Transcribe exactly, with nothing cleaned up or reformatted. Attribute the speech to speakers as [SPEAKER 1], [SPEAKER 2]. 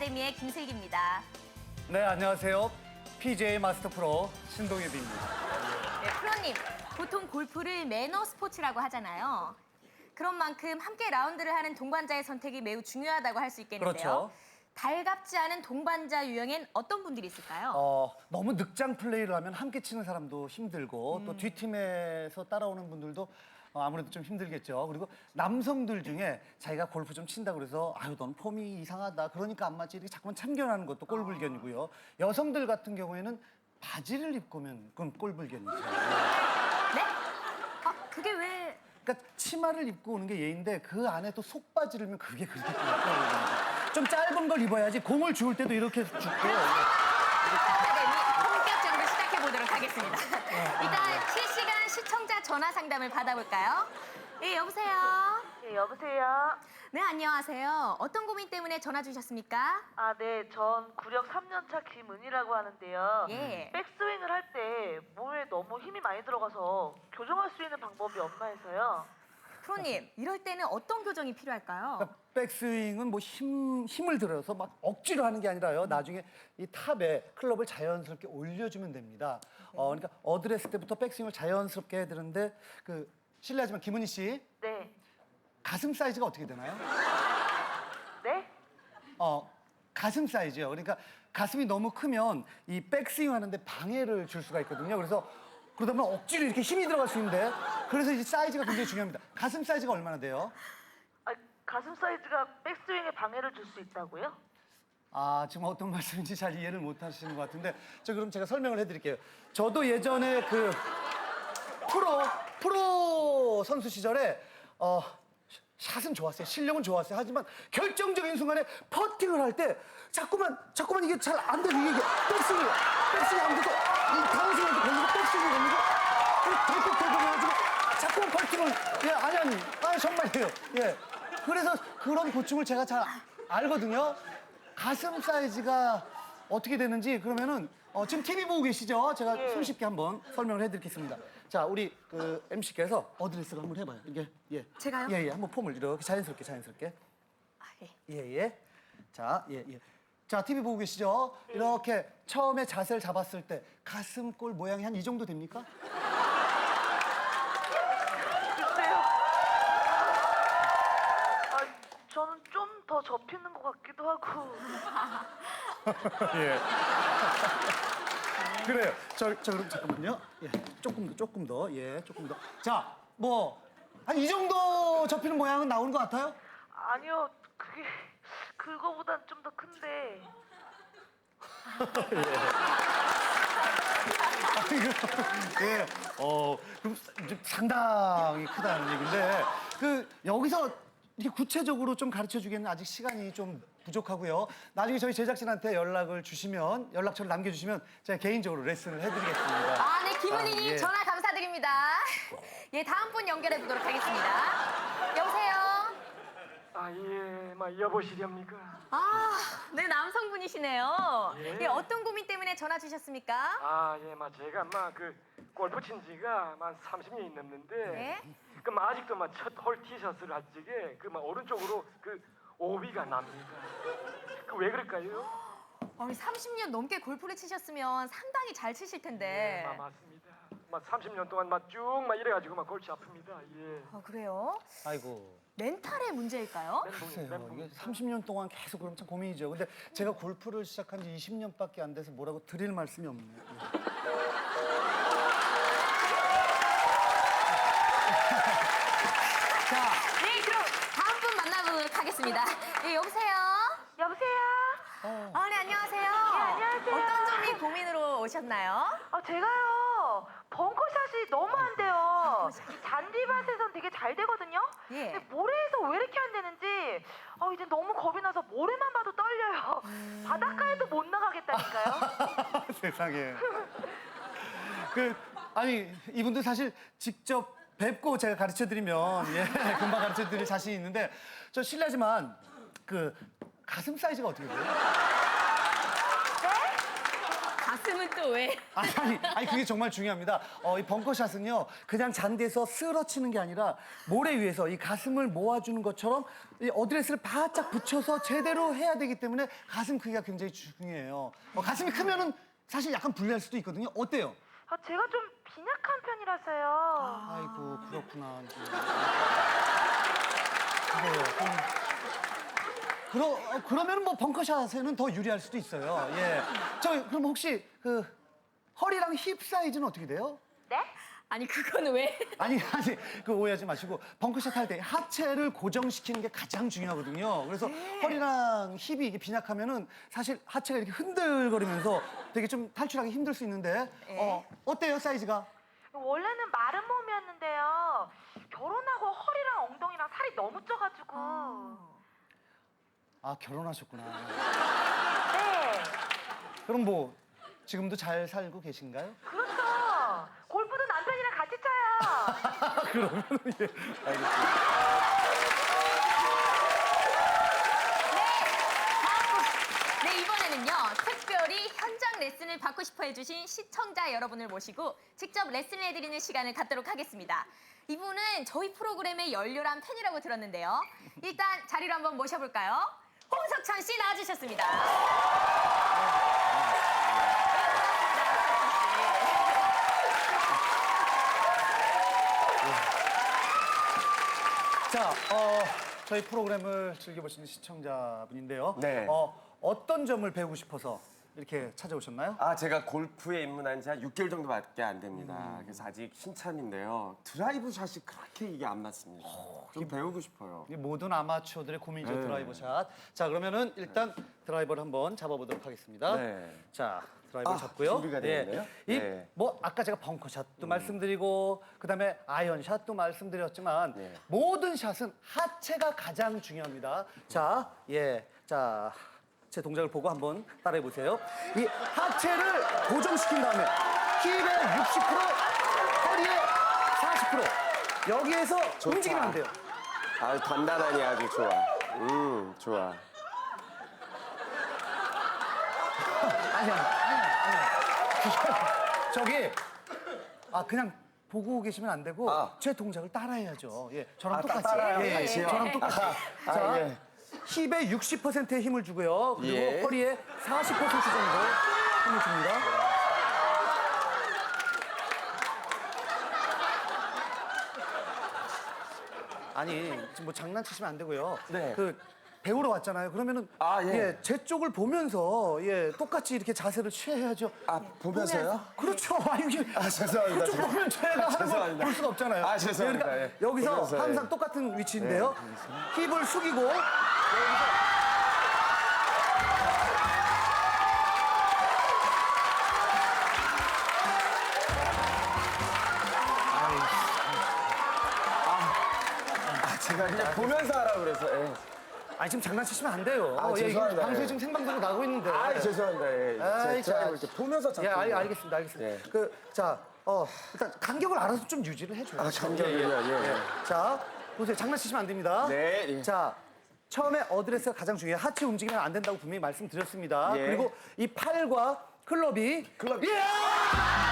[SPEAKER 1] 아카데미의 김슬기입니다.
[SPEAKER 2] 네, 안녕하세요. 피지에이 마스터 프로 신동엽입니다.
[SPEAKER 1] 네, 프로님, 보통 골프를 매너 스포츠라고 하잖아요. 그런 만큼 함께 라운드를 하는 동반자의 선택이 매우 중요하다고 할 수 있겠는데요.
[SPEAKER 2] 그렇죠.
[SPEAKER 1] 달갑지 않은 동반자 유형엔 어떤 분들이 있을까요?
[SPEAKER 2] 어, 너무 늑장 플레이를 하면 함께 치는 사람도 힘들고 음. 또 뒷팀에서 따라오는 분들도 어, 아무래도 좀 힘들겠죠. 그리고 남성들 중에 자기가 골프 좀 친다고 그래서 아유, 넌 폼이 이상하다. 그러니까 안 맞지. 이렇게 자꾸만 참견하는 것도 꼴불견이고요. 여성들 같은 경우에는 바지를 입고 오면 그건 꼴불견이죠.
[SPEAKER 1] 네? 아, 그게 왜...
[SPEAKER 2] 그러니까 치마를 입고 오는 게 예인데 그 안에 또 속바지를 입으면 그게 그렇게 꼴불견이죠. 좀 짧은 걸 입어야지 공을 주울 때도 이렇게 줍고.
[SPEAKER 1] 아카데미 본격적으로 시작해보도록 하겠습니다. 일단 실시간 시청자 전화 상담을 받아볼까요? 예, 여보세요?
[SPEAKER 3] 예, 여보세요?
[SPEAKER 1] 네, 안녕하세요. 어떤 고민 때문에 전화 주셨습니까?
[SPEAKER 3] 아, 네, 전 구력 삼 년 차 김은희라고 하는데요.
[SPEAKER 1] 예.
[SPEAKER 3] 백스윙을 할 때 몸에 너무 힘이 많이 들어가서 교정할 수 있는 방법이 없나 해서요.
[SPEAKER 1] 프로님, 이럴 때는 어떤 교정이 필요할까요?
[SPEAKER 2] 그러니까 백스윙은 뭐 힘, 힘을 들여서 막 억지로 하는 게 아니라요. 나중에 이 탑에 클럽을 자연스럽게 올려주면 됩니다. 어, 그러니까 어드레스 때부터 백스윙을 자연스럽게 해야 되는데 그 실례하지만 김은희 씨
[SPEAKER 3] 네.
[SPEAKER 2] 가슴 사이즈가 어떻게 되나요?
[SPEAKER 3] 네?
[SPEAKER 2] 어, 가슴 사이즈요. 그러니까 가슴이 너무 크면 이 백스윙 하는데 방해를 줄 수가 있거든요. 그래서 그러다 보면 억지로 이렇게 힘이 들어갈 수 있는데 그래서 이제 사이즈가 굉장히 중요합니다. 가슴 사이즈가 얼마나 돼요?
[SPEAKER 3] 아, 가슴 사이즈가 백스윙에 방해를 줄 수 있다고요?
[SPEAKER 2] 아, 지금 어떤 말씀인지 잘 이해를 못 하시는 것 같은데 저 그럼 제가 설명을 해드릴게요. 저도 예전에 그 프로 프로 선수 시절에 어 샷은 좋았어요. 실력은 좋았어요. 하지만 결정적인 순간에 퍼팅을 할 때 자꾸만 자꾸만 이게 잘 안 되고 이게 백스윙이 백스윙이 안 돼서 이 다운스윙도 걸리고 백스윙이 걸리고 덜컥 덜컥해가지고 자꾸만 퍼팅을 예 아니 아니 아 정말이에요. 예 그래서 그런 고충을 제가 잘 알거든요. 가슴 사이즈가 어떻게 되는지 그러면은 어, 지금 티비 보고 계시죠? 제가
[SPEAKER 3] 예.
[SPEAKER 2] 손쉽게 한번 설명을 해드리겠습니다. 자, 우리 그 엠씨께서 어드레스를 한번 해봐요. 이게 예.
[SPEAKER 1] 제가요?
[SPEAKER 2] 예, 예. 한번 폼을 이렇게 자연스럽게, 자연스럽게.
[SPEAKER 1] 아, 예.
[SPEAKER 2] 예, 예. 자, 예, 예. 자, 티비 보고 계시죠? 이렇게 처음에 자세를 잡았을 때 가슴골 모양이 한 이 정도 됩니까?
[SPEAKER 3] 글쎄요. 아, 저는 좀 더 접히는 것 같기도 하고.
[SPEAKER 2] 예. 그래요. 저, 저 그럼 잠깐만요. 예. 조금 더, 조금 더. 예, 조금 더. 자, 뭐 한 이 정도 접히는 모양은 나오는 것 같아요?
[SPEAKER 3] 아니요, 그게 그거보단 좀 더 큰데.
[SPEAKER 2] 예. 어, 그럼 좀 상당히 크다는 얘기인데 그 여기서 이렇게 구체적으로 좀 가르쳐 주기에는 아직 시간이 좀 부족하고요. 나중에 저희 제작진한테 연락을 주시면 연락처를 남겨주시면 제가 개인적으로 레슨을 해드리겠습니다.
[SPEAKER 1] 아, 네, 김은희님
[SPEAKER 2] 아, 예.
[SPEAKER 1] 전화 감사드립니다. 예, 다음 분 연결해 보도록 하겠습니다. 여보세요?
[SPEAKER 4] 아, 예, 막 여보시렵니까?
[SPEAKER 1] 아, 네, 남성분이시네요.
[SPEAKER 4] 예.
[SPEAKER 1] 예, 어떤 고민 때문에 전화 주셨습니까?
[SPEAKER 4] 아, 예, 막 제가 막 그 골프 친 지가 막 삼십 년이 넘는데,
[SPEAKER 1] 네?
[SPEAKER 4] 그막 아직도 막 첫 홀 티셔츠를 할 적에 그 막 오른쪽으로 그 오비가 납니다. 그 왜 그럴까요?
[SPEAKER 1] 아니, 삼십 년 넘게 골프를 치셨으면 상당히 잘 치실 텐데.
[SPEAKER 4] 예, 막 맞습니다. 막 삼십 년 동안 막 쭉 막 이래가지고 막 골치 아픕니다. 예.
[SPEAKER 1] 아, 그래요?
[SPEAKER 2] 아이고.
[SPEAKER 1] 멘탈의 문제일까요?
[SPEAKER 2] 글쎄요.
[SPEAKER 4] 멘붕,
[SPEAKER 2] 이게
[SPEAKER 4] 멘붕.
[SPEAKER 2] 삼십 년 동안 계속 그러면 참 고민이죠. 근데 제가 골프를 시작한 지 이십 년밖에 안 돼서 뭐라고 드릴 말씀이 없네요. 예. 자,
[SPEAKER 1] 네, 그럼 다음 분 만나보도록 하겠습니다. 예, 여보세요?
[SPEAKER 3] 여보세요?
[SPEAKER 1] 아, 네, 안녕하세요.
[SPEAKER 3] 안녕하세요.
[SPEAKER 1] 어떤 점이 고민으로 오셨나요?
[SPEAKER 3] 아, 제가요, 벙커샷이 너무 안 돼요. 이 잔디밭에선 되게 잘 되거든요?
[SPEAKER 1] 예.
[SPEAKER 3] 근데 모래에서 왜 이렇게 안 되는지, 아, 이제 너무 겁이 나서 모래만 봐도 떨려요. 바닷가에도 못 나가겠다니까요.
[SPEAKER 2] 세상에. 그 아니 이분들 사실 직접 뵙고 제가 가르쳐 드리면 예 금방 가르쳐 드릴 자신이 있는데 저 실례지만 그 가슴 사이즈가 어떻게 돼요?
[SPEAKER 1] 가슴은 또 왜?
[SPEAKER 2] 아니, 아니, 아니 그게 정말 중요합니다. 어, 이 벙커샷은요, 그냥 잔디에서 쓰러치는 게 아니라 모래 위에서 이 가슴을 모아주는 것처럼 이 어드레스를 바짝 붙여서 제대로 해야 되기 때문에 가슴 크기가 굉장히 중요해요. 어, 가슴이 크면은 사실 약간 불리할 수도 있거든요. 어때요?
[SPEAKER 3] 아, 제가 좀 빈약한 편이라서요.
[SPEAKER 2] 아이고, 그렇구나. 그래요. 그럼, 그러, 어, 그러면 뭐 벙커샷에는 더 유리할 수도 있어요. 예. 저 그럼 혹시 그 허리랑 힙 사이즈는 어떻게 돼요?
[SPEAKER 3] 네?
[SPEAKER 1] 아니 그거는 왜?
[SPEAKER 2] 아니 아니 그 오해하지 마시고 벙커샷 할 때 하체를 고정시키는 게 가장 중요하거든요. 그래서 허리랑 힙이 이게 빈약하면은 사실 하체가 이렇게 흔들거리면서 되게 좀 탈출하기 힘들 수 있는데 어 어때요 사이즈가?
[SPEAKER 3] 원래는 마른 몸이었는데요. 결혼하고 허리랑 엉덩이랑 살이 너무 쪄가지고.
[SPEAKER 2] 아 결혼하셨구나.
[SPEAKER 3] 네.
[SPEAKER 2] 그럼 뭐 지금도 잘 살고 계신가요?
[SPEAKER 3] 그렇죠. 골프도 남편이랑 같이 쳐요.
[SPEAKER 2] 그러면 예 알겠습니다.
[SPEAKER 1] 네, 이번에는요. 특별히 현장 레슨을 받고 싶어 해주신 시청자 여러분을 모시고 직접 레슨을 해드리는 시간을 갖도록 하겠습니다. 이분은 저희 프로그램의 열렬한 팬이라고 들었는데요. 일단 자리로 한번 모셔볼까요? 홍석천 씨 나와주셨습니다.
[SPEAKER 2] 자, 어, 저희 프로그램을 즐겨보시는 시청자분인데요.
[SPEAKER 5] 네.
[SPEAKER 2] 어, 어떤 점을 배우고 싶어서 이렇게 찾아오셨나요?
[SPEAKER 5] 아, 제가 골프에 입문한 지 한 육 개월 정도밖에 안 됩니다. 그래서 아직 신참인데요. 드라이브 샷이 그렇게 이게 안 맞습니다. 좀 배우고 싶어요.
[SPEAKER 2] 이 모든 아마추어들의 고민이죠,
[SPEAKER 5] 네.
[SPEAKER 2] 드라이버 샷. 자, 그러면은 일단 드라이버를 한번 잡아보도록 하겠습니다.
[SPEAKER 5] 네.
[SPEAKER 2] 자, 드라이버
[SPEAKER 5] 아,
[SPEAKER 2] 잡고요.
[SPEAKER 5] 준비가 되어 있네요.
[SPEAKER 2] 이,
[SPEAKER 5] 네.
[SPEAKER 2] 뭐 아까 제가 벙커샷도 말씀드리고 그다음에 아이언샷도 말씀드렸지만
[SPEAKER 5] 네.
[SPEAKER 2] 모든 샷은 하체가 가장 중요합니다. 자, 예, 자. 제 동작을 보고 한번 따라해 보세요. 이 하체를 고정시킨 다음에 힙의 육십 퍼센트, 허리의 사십 퍼센트. 여기에서
[SPEAKER 5] 좋다.
[SPEAKER 2] 움직이면 안 돼요.
[SPEAKER 5] 아, 단단하니 아주 좋아. 음, 좋아.
[SPEAKER 2] 아니야, 아니야, 아니야. 저기, 아, 그냥 보고 계시면 안 되고,
[SPEAKER 5] 아.
[SPEAKER 2] 제 동작을 따라해야죠. 예, 저랑
[SPEAKER 5] 아,
[SPEAKER 2] 똑같이.
[SPEAKER 5] 따라요?
[SPEAKER 2] 예, 예,
[SPEAKER 5] 같이요?
[SPEAKER 2] 저랑 똑같이.
[SPEAKER 5] 아,
[SPEAKER 2] 자,
[SPEAKER 5] 예.
[SPEAKER 2] 힙에 육십 퍼센트의 힘을 주고요. 그리고
[SPEAKER 5] 예.
[SPEAKER 2] 허리에 사십 퍼센트 정도 힘을 줍니다. 아니, 지금 뭐 장난치시면 안 되고요.
[SPEAKER 5] 네.
[SPEAKER 2] 그, 배우러 왔잖아요. 그러면은
[SPEAKER 5] 아, 예.
[SPEAKER 2] 제 쪽을 보면서 예 똑같이 이렇게 자세를 취해야죠.
[SPEAKER 5] 아, 보면서요?
[SPEAKER 2] 그렇죠. 아, 이게
[SPEAKER 5] 아, 죄송합니다.
[SPEAKER 2] 그쪽 보면 제가 하는 걸
[SPEAKER 5] 죄송합니다.
[SPEAKER 2] 볼 수가 없잖아요.
[SPEAKER 5] 아, 죄송합니다.
[SPEAKER 2] 그러니까
[SPEAKER 5] 예.
[SPEAKER 2] 여기서
[SPEAKER 5] 보면서, 예.
[SPEAKER 2] 항상 똑같은 위치인데요. 힙을 숙이고 여기서
[SPEAKER 5] 아, 제가 그냥 보면서 하라고 그래서. 예.
[SPEAKER 2] 아니 지금 장난치시면 안 돼요.
[SPEAKER 5] 아,
[SPEAKER 2] 예, 이게
[SPEAKER 5] 죄송합니다.
[SPEAKER 2] 방송에
[SPEAKER 5] 예.
[SPEAKER 2] 지금 생방송으로 나오고 있는데.
[SPEAKER 5] 아, 죄송합니다. 예.
[SPEAKER 2] 아이,
[SPEAKER 5] 제가
[SPEAKER 2] 자,
[SPEAKER 5] 이렇게 보면서 잡고.
[SPEAKER 2] 예, 알,
[SPEAKER 5] 있는
[SPEAKER 2] 알겠습니다, 알겠습니다.
[SPEAKER 5] 예.
[SPEAKER 2] 그, 자, 어, 일단 간격을 알아서 좀 유지를 해줘요.
[SPEAKER 5] 아, 간격을요? 예, 예.
[SPEAKER 2] 자, 보세요. 장난치시면 안 됩니다.
[SPEAKER 5] 네, 예.
[SPEAKER 2] 자, 처음에 어드레스가 가장 중요해요. 하체 움직이면 안 된다고 분명히 말씀드렸습니다.
[SPEAKER 5] 예.
[SPEAKER 2] 그리고 이 팔과 클럽이
[SPEAKER 5] 클럽.
[SPEAKER 2] 예!